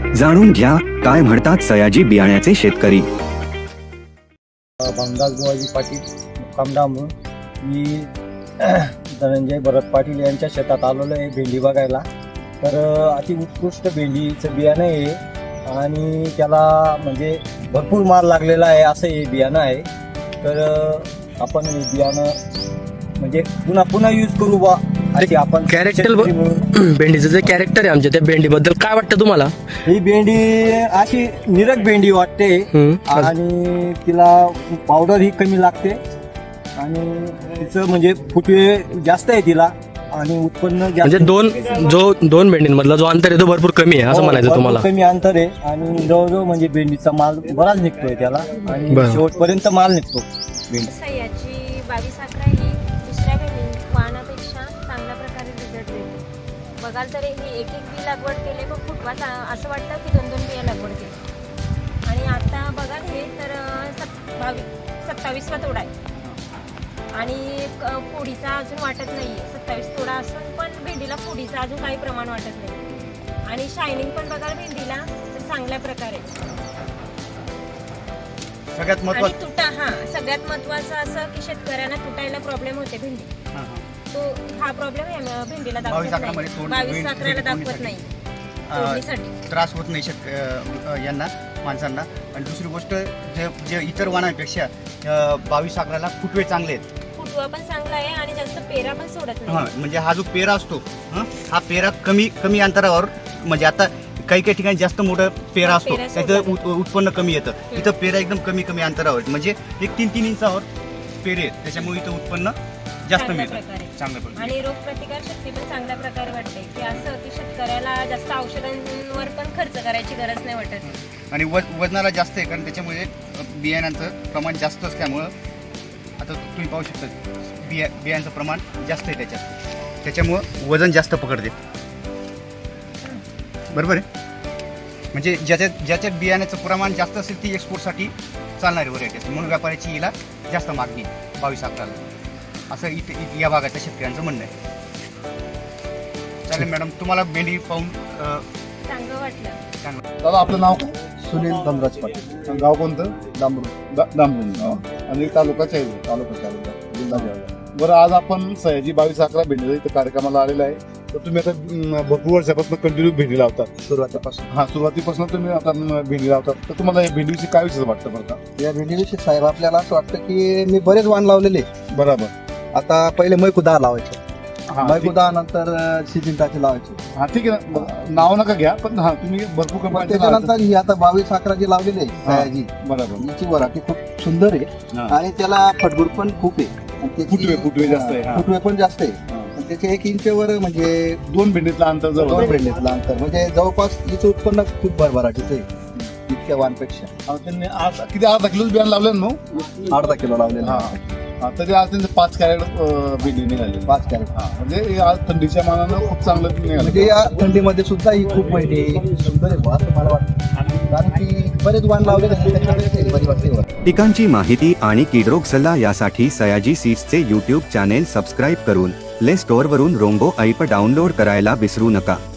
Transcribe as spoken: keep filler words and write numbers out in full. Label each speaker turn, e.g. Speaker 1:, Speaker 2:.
Speaker 1: जाणून घ्या काय म्हणतात सयाजी बियाण्याचे शेतकरी.
Speaker 2: भामदास बुवाजी पाटील मुक्काम डांबूर. मी धनंजय भरत पाटील यांच्या शेतात आलेलो आहे भेंडी बघायला. तर अति उत्कृष्ट भेंडीचं बियाणं आहे आणि त्याला म्हणजे भरपूर माल लागलेला आहे असं हे बियाणं आहे. तर आपण हे बियाणं म्हणजे पुन्हा पुन्हा यूज करू बा अशी आपण
Speaker 3: कॅरेक्टर भेंडीचं जे कॅरेक्टर आहे आमच्या त्या भेंडीबद्दल काय वाटतं तुम्हाला?
Speaker 2: ही भेंडी अशी निरक भेंडी वाटते आणि तिला पावडर ही कमी लागते आणि तिचं म्हणजे फुटवे जास्त आहे तिला आणि उत्पन्न
Speaker 3: म्हणजे दोन जो दोन भेंडींमधला जो अंतर आहे तो भरपूर कमी आहे असं म्हणायचं तुम्हाला?
Speaker 2: कमी अंतर आहे आणि जवळजवळ म्हणजे भेंडीचा माल बराच निघतोय त्याला आणि शेवटपर्यंत माल निघतो.
Speaker 4: सह्याची बावीस अकरा ही दुसऱ्या भेंडी वाहनापेक्षा चांगल्या प्रकारे रिझल्ट देते. बघाल तर ही एक एक बी लागवड केले पण फुटवा असं वाटतं की दोन दोन बिया लागवड केली. आणि आता बघाल हे तर सत बावीस सत्तावीसवा तोडा आहे आणि फोडीचा अजून वाटत नाही आहे. सत्तावीस तोडा असून पण भेंडीला फोडीचं अजून काही प्रमाण वाटत नाही आणि शायनिंग पण बघाल भेंडीला तर चांगल्या प्रकारे.
Speaker 5: सगळ्यात महत्त्वाचं
Speaker 4: तुटा हा सगळ्यात महत्त्वाचं असं की शेतकऱ्यांना तुटायला प्रॉब्लेम होते भेंडी. तो हा प्रॉब्लेम भेंडीला दाखवत नाही, बावीस अकराला दाखवत नाही.
Speaker 5: त्रास होत नाही शेतक यांना माणसांना. आणि दुसरी गोष्ट जे जे इतर वाणांपेक्षा बावीस अकराला फुटवे चांगले आहेत.
Speaker 4: फुटवा पण चांगला आहे आणि जास्त पेरा पण सोडत नाही.
Speaker 5: हा म्हणजे हा जो पेरा असतो हा पेरा कमी कमी अंतरावर म्हणजे आता काही काही ठिकाणी जास्त मोठा पेरा असतो त्याचं उत्पन्न कमी येतं. इथं पेरा एकदम कमी कमी अंतरावर म्हणजे एक तीन तीन इंचावर पेरे आहेत त्याच्यामुळे इथं उत्पन्न जास्त मिळतं चांगल्या प्रकारे.
Speaker 4: आणि रोग प्रतिकार शक्ती पण चांगल्या प्रकारे वाटते की असं की शेतकऱ्याला जास्त औषधांवर पण खर्च करायची गरज नाही वाटत.
Speaker 5: आणि वज वजनाला जास्त आहे कारण त्याच्यामुळे बियाण्यांचं प्रमाण जास्त असल्यामुळं आता तुम्ही पाहू शकता बिया बियांचं प्रमाण जास्त आहे त्याच्यात त्याच्यामुळं वजन जास्त पकडते. बरोबर आहे. म्हणजे ज्याच्यात ज्याच्यात बियाण्याचं प्रमाण जास्त असेल ती एक्सपोर्टसाठी चालणारी व्हरायटी असते म्हणून व्यापाऱ्याची हिला जास्त मागणी बावीस अकराला असं इथे या भागाच्या शेतकऱ्यांचं म्हणणं आहे. चालेल मॅडम तुम्हाला भेंडी पाहून
Speaker 4: चांगलं वाटलं.
Speaker 5: चांगलं.
Speaker 6: दादा आपलं नाव काय?
Speaker 2: सुनील धनराज पाटील.
Speaker 6: गाव कोणतं?
Speaker 2: डांबरू.
Speaker 6: डांबरून आणि तालुकाच्या आहे तालुका जिल्हा जळगाव. बरं आज आपण सयाजी बावीस अकरा भेंडीचा इथं कार्यक्रमाला आलेला आहे. तर तुम्ही आता भरपूर वर्षापासून कंटिन्यू भेंडी लावतात
Speaker 2: सुरुवातीपासून.
Speaker 6: हा सुरुवातीपासून तुम्ही आता भेंडी लावतात तर तुम्हाला या भेंडीविषयी काय विषय वाटतं बरं का?
Speaker 2: या भेंडीविषयी साहेब आपल्याला असं वाटतं की मी बरेच वाण लावलेले.
Speaker 6: बरोबर.
Speaker 2: आता पहिले मैकुदा लावायचे,
Speaker 6: हा
Speaker 2: मैकुदा नंतर सिजिंटाचे लावायचे.
Speaker 6: हा ठीक आहे ना नाव नका घ्या पण हा तुम्ही भरपूर कंपनी
Speaker 2: त्याच्यानंतर ही आता बावीस अकरा जी लावलेली आहे सयाजी
Speaker 6: बरोबर
Speaker 2: हिची व्हरायटी खूप सुंदर आहे आणि त्याला फटबूड पण खूप आहे.
Speaker 6: फुटवे फुटवे जास्त आहे.
Speaker 2: फुटवे पण जास्त आहे. त्याचे एक इंचवर म्हणजे
Speaker 6: दोन भेंडीतला अंतर जवळ
Speaker 2: दोन भेंडीतलं अंतर म्हणजे जवळपास तिचं उत्पन्न खूप भरभराटीचं आहे इतक्या वाणपेक्षा.
Speaker 6: त्यांनी आज किती अर्धा किलोच बियाणं लावलं ना मग
Speaker 2: अर्धा किलो लावलेलं.
Speaker 6: हा तरी आज त्यांचे पाच कॅरेट भेंडी निघाली.
Speaker 2: पाच कॅरेट.
Speaker 6: हा म्हणजे आज थंडीच्या मानानं खूप चांगलं निघालं.
Speaker 2: म्हणजे या थंडीमध्ये सुद्धा ही खूप भेंडी सुंदर आहे असं मला वाटतं कारण की बरेच वाण लावलेले त्याच्यामध्ये.
Speaker 1: पिकांची माहिती आणि कीडरोग सल्ला यासाठी सयाजी सीड्सचे यूट्यूब चॅनेल सबस्क्राईब करून प्ले स्टोअरवरून रोंगो ऐप डाउनलोड करायला विसरू नका.